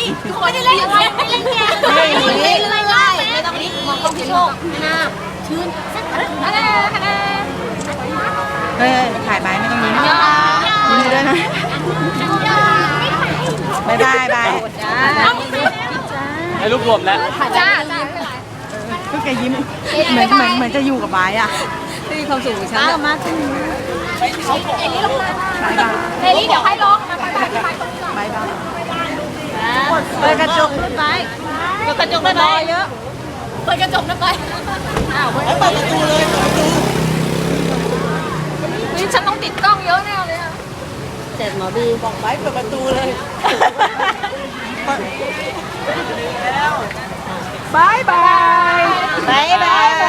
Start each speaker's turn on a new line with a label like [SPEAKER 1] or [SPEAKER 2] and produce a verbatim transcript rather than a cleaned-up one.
[SPEAKER 1] ไม่ได้เล่นอะไรไม่เล่นแกไม่เล่นไม่เล่นไม่ต้องรีบมองกล้องพี่โชคนะชื่นอะไรอะไร
[SPEAKER 2] เฮ้ยถ่ายไปไม่ต้องยิ้มยิ้มด้วยนะบายบายบาย
[SPEAKER 3] ให้รูปรวมแล้ว
[SPEAKER 1] จ้า
[SPEAKER 2] ก็แกยิ้มเหมือนเหมือนเหมือนจะอยู่กับบายอ่ะ
[SPEAKER 1] มีความสุขฉันกับมากขึ้นเอลี่ลงมา
[SPEAKER 2] บายบาย
[SPEAKER 1] เอลี่เดี๋ยวให้ลงมาไปไปไป
[SPEAKER 2] บายบาย
[SPEAKER 1] เปิดกระจกขึ้นไปเปิดกระจกได้ไหมเยอะเปิดกระจกได้ไหมอ้าวเปิดประตูเลยเปิดประตูนี่ฉันต้องติดกล้องเยอะแน่เลยเจ็ดหมอบีบอกไปเปิดประตูเลย
[SPEAKER 2] บายบายบายบาย